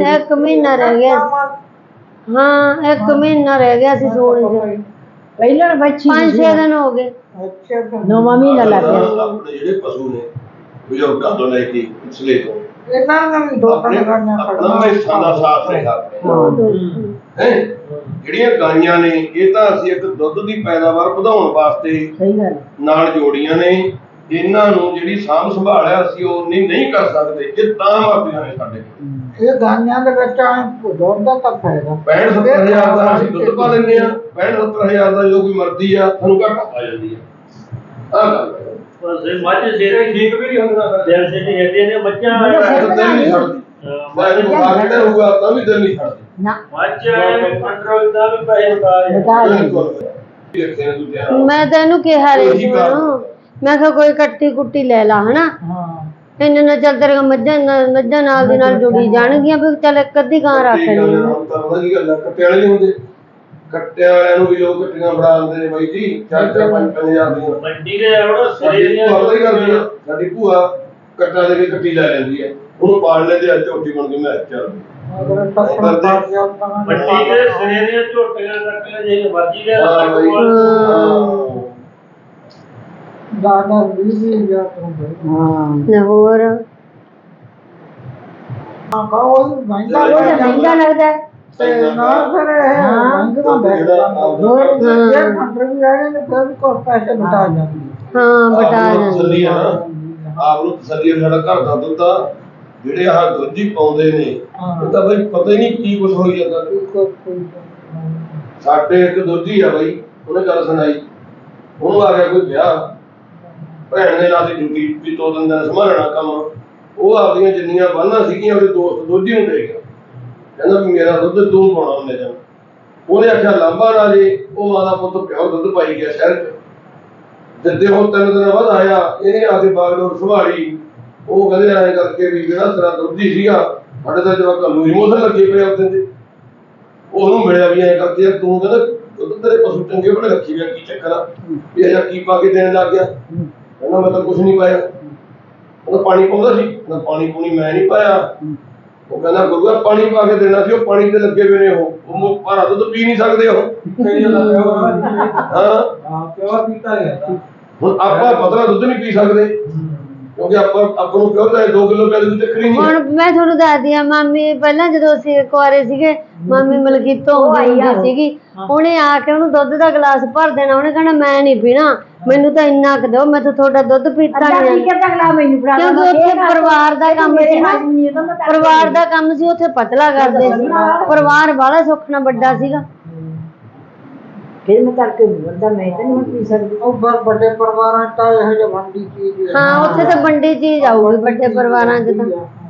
एक महीना रह गया। हाँ 1 महीना रह गया सी सूण च। पहले बच्ची 5-6 दिन हो गए। अच्छा 9वां महीना लग गया। अपने ਜਿਹੜੇ ਪਸ਼ੂ ਨੇ ਬਜ਼ੁਰਗਾਂ ਤੋਂ ਲੈ ਕੇ ਪਿਛਲੇ ਤੋਂ ਇਹਨਾਂ ਦਾ ਵੀ ਦੋ ਤਿੰਨ ਗਾਈਆਂ ਆਪਣਾ ਮੈਸਾਂ ਦਾ ਸਾਥ ਰਿਹਾ ਹੈ। ਜਿਹੜੀਆਂ ਗਾਈਆਂ ਨੇ ਇਹ ਤਾਂ ਅਸੀਂ ਇੱਕ ਦੁੱਧ ਦੀ ਪੈਦਾਵਾਰ ਵਧਾਉਣ ਵਾਸਤੇ ਸਹੀ ਗੱਲ ਨਾਲ ਜੋੜੀਆਂ ਨੇ। ਇਹਨਾਂ ਨੂੰ ਜਿਹੜੀ ਸਾਂਭ ਸੰਭਾਲ ਹੈ ਅਸੀਂ ਉਹ ਨਹੀਂ ਕਰ ਸਕਦੇ ਜੇ ਤਾਂ ਮਰਦੀਆਂ ਨੇ ਸਾਡੇ ਕੋਲ। ਇਹ ਗਾਈਆਂ ਦੇ ਵਿੱਚ ਦੁੱਧ ਦਾ ਤਾਂ ਫਾਇਦਾ 65-70 ਹਜ਼ਾਰ ਦਾ ਅਸੀਂ ਦੁੱਧ ਪਾ ਲੈਂਦੇ ਆ। 65-70 ਹਜ਼ਾਰ ਦਾ ਜੋ ਕੋਈ ਮਰਦੀ ਆ ਸਾਨੂੰ ਘਾਟਾ ਪਾ ਜਾਂਦੀ ਆ। ਆਹ ਗੱਲ ਮੱਝ ਜਿਹੜੇ ਠੀਕ ਵੀ ਨਹੀਂ ਹੁੰਦਾ ਦਿਲ ਸੇ ਨਹੀਂ ਹੈਗੇ ਨੇ ਬੱਚਾ ਦਿਲ ਨਹੀਂ ਛੱਡਦੀ। ਮੈਂ ਇਹਨੂੰ ਬੁਖਾਰ ਕਿਹੜਾ ਹੋਊਗਾ ਤਾਂ ਵੀ ਦਿਲ ਨਹੀਂ ਛੱਡਦੀ। ਨਾ ਮੱਝ ਕੰਟਰੋਲ ਦਾ ਵੀ ਪੈਸੇ ਬਤਾ मैं तेन कहा रही मैं कोई कट्टी कुट्टी ले ला है ना इन्हें ना चल तेरे मझा नाल दी नाल जुड़ी जाणगियां भी चल एक अद्धी गां रख ली। ਕੱਟੇ ਵਾਲੇ ਨਹੀਂ ਹੁੰਦੇ। ਕੱਟੇ ਵਾਲਿਆਂ ਨੂੰ ਵੀ ਲੋਕ ਕੱਟੀਆਂ ਫੜਾ ਦਿੰਦੇ ਨੇ ਬਾਈ ਜੀ 4-5 ਹਜ਼ਾਰ ਦੀਆਂ। ਮੰਡੀ ਦੇ ਆਉਣਾ ਸਾਡੀ ਭੂਆ ਹੀ ਕਰਦੀ ਆ। ਸਾਡੀ ਭੂਆ ਕੱਟਾ ਦੇ ਕੇ ਕੱਟੀ ਲੈ ਲੈਂਦੀ ਆ ਉਹਨੂੰ ਪਾਲ ਲੈਂਦੇ ਆ ਝੋਟੀ ਬਣ ਕੇ ਮੈਂ ਚੱਲ ਮੰਡੀ ਦੇ ਸਿਰੇ ਦੀਆਂ ਝੋਟੀਆਂ ਰੱਖ ਲੈ ਜੇ ਮਰਜੀ ਦੇ ਦਾਦਾ ਵੀ ਗਿਆ ਤੂੰ लाहौर ਕਹੋ ਮਹਿੰਗਾ लगता है। ਨਾ ਫਿਰ ਇਹ ਜੇ ਮੰਦਰ ਵੀ ਰਹੇ ਨੇ ਫਿਰ ਕੋ ਪੈਸੇ ਬਤਾ ਜਾਂਦੇ। हाँ बता ਤਸੱਲੀ ਆ ਨਾ ਆਪ ਨੂੰ ਤਸੱਲੀ ਸਾਡਾ ਘਰ ਦਾ ਦੁੱਧ ਆ। ਜਿਹੜੇ ਆਹ ਦੁੱਧੀ ਪਾਉਂਦੇ ਨੇ ਉਹ ਤਾਂ ਬਈ ਪਤਾ ਹੀ ਨਹੀਂ ਕੀ ਕੁਝ ਹੋਈ ਜਾਂਦਾ। ਸਾਡੇ ਇੱਕ ਦੋਜੀ ਆ ਬਈ ਉਹਨੇ ਗੱਲ ਸੁਣਾਈ ਉਹਨੂੰ ਆ ਗਿਆ ਕੋਈ ਵਿਆਹ ਭੈਣ ਨੇ ਲਾਤੀ ਡਿਊਟੀ ਵੀ 2 ਦਿਨ ਦਾ ਸੰਭਾਲਣਾ ਕੰਮ। ਉਹ ਆਪਦੀਆਂ ਜਿੰਨੀਆਂ ਬੰਨਾਂ ਸੀਗੀਆਂ ਉਹਦੇ ਦੋਸਤ ਦੋਜੀ ਨੂੰ ਦੇ ਗਿਆ ਕਹਿੰਦਾ ਵੀ ਮੇਰਾ ਦੁੱਧ ਤੂੰ ਪਾਉਣਾ ਉਹਨੇ ਜਾਂ ਉਹਨੇ ਆਖਿਆ ਲਾਂਬਾ ਨਾ ਜੇ ਉਹ ਮਾਂ ਦਾ ਪੁੱਤ ਪਿਓ ਦੁੱਧ ਪਾਈ ਗਿਆ ਸ਼ਹਿਰ ਚ। ਜਿੱਦੇ ਉਹ 3 ਦਿਨਾਂ ਬਾਅਦ ਆਇਆ ਇਹਨੇ ਆ ਕੇ ਬਾਗਡੋਰ ਸੰਭਾਲੀ। ਉਹ ਕਹਿੰਦੇ ਐਂ ਕਰਕੇ ਵੀ ਜਿਹੜਾ ਤੇਰਾ ਦੁੱਧੀ ਸੀਗਾ ਸਾਡੇ ਤਾਂ ਜਵਾਕਾਂ ਨੂੰ ਇਮੋਸ਼ਨ ਲੱਗੇ ਪਏ ਉੱਤੇ ਤੇ ਉਹਨੂੰ ਮਿਲਿਆ ਵੀ ਐਂ ਕਰਕੇ ਤੂੰ ਕਹਿੰਦਾ ਦੁੱਧ ਤੇਰੇ ਪਸ਼ੂ ਚੰਗੇ ਬੜੇ ਰੱਖੀ ਗਿਆ ਕੀ ਚੱਕਰ ਆ ਵੀ ਇਹ ਕੀ ਪਾ ਕੇ ਦੇਣ ਲੱਗ ਗਿਆ। ਕਹਿੰਦਾ ਮੈਂ ਤਾਂ ਕੁਝ ਨਹੀਂ ਪਾਇਆ। ਉਹ ਪਾਣੀ ਪਾਉਂਦਾ ਸੀ ਨਾ ਪਾਣੀ ਪੂਣੀ ਮੈਂ ਨਹੀਂ ਪਾਇਆ। ਉਹ ਕਹਿੰਦਾ ਗੁਰੂਆ ਪਾਣੀ ਪਾ ਕੇ ਦੇਣਾ ਸੀ ਉਹ ਪਾਣੀ ਤੇ ਲੱਗੇ ਹੋਏ ਨੇ ਉਹ ਭਾਰਾ ਦੁੱਧ ਪੀ ਨਹੀਂ ਸਕਦੇ ਉਹ। ਹਾਂ ਪਿਓ ਪੀਤਾ ਗਿਆ ਹੁਣ ਆਪਾਂ ਪਤਲਾ ਦੁੱਧ ਨਹੀਂ ਪੀ ਸਕਦੇ ਕਿਉਂਕਿ ਆਪਾਂ ਨੂੰ ਕਿਉਂ 2 ਕਿਲੋ ਪਿਆ ਦੀ ਚੱਕਰੀ ਨਹੀਂ। ਹੁਣ ਮੈਂ ਤੁਹਾਨੂੰ ਦੱਸਦੀ ਆ ਮਾਮੀ ਪਹਿਲਾਂ ਜਦੋਂ ਅਸੀਂ ਕੁਆਰੇ ਸੀਗੇ ਮਾਮੀ ਮਲਕੀਤੋਂ ਆਉਂਦੀ ਸੀਗੀ ਉਹਨੇ ਆ ਕੇ ਉਹਨੂੰ ਦੁੱਧ ਦਾ ਗਲਾਸ ਭਰ ਦੇਣਾ। ਉਹਨੇ ਕਹਿਣਾ ਮੈਂ ਨਹੀਂ ਪੀਣਾ ਮੈਨੂੰ ਤਾਂ ਇੰਨਾ ਕੁ ਦਿਓ ਮੈਂ ਤਾਂ ਤੁਹਾਡਾ ਦੁੱਧ ਪੀਤਾ ਨਹੀਂ। ਕਿਉਂਕਿ ਉੱਥੇ ਪਰਿਵਾਰ ਦਾ ਕੰਮ ਸੀ ਨਾ ਪਰਿਵਾਰ ਦਾ ਕੰਮ ਸੀ ਉੱਥੇ ਪਤਲਾ ਕਰਦੇ ਸੀ ਪਰਿਵਾਰ ਵਾਲਾ ਸੁੱਖ ਨਾਲ ਵੱਡਾ ਸੀਗਾ। ਫਿਰ ਮੈਂ ਕਰਕੇ ਬੰਦਾ ਮੈਂ ਤਾਂ ਨਹੀਂ ਪੀ ਸਕਦੀ। ਉਹ ਵੱਡੇ ਪਰਿਵਾਰਾਂ ਤਾਂ ਇਹੋ ਜਿਹੇ ਵੰਡੀ ਚੀਜ਼ ਹਾਂ ਉੱਥੇ ਤਾਂ ਵੰਡੀ ਚੀਜ਼ ਆਊਗੀ ਵੱਡੇ ਪਰਿਵਾਰਾਂ 'ਚ ਤਾਂ।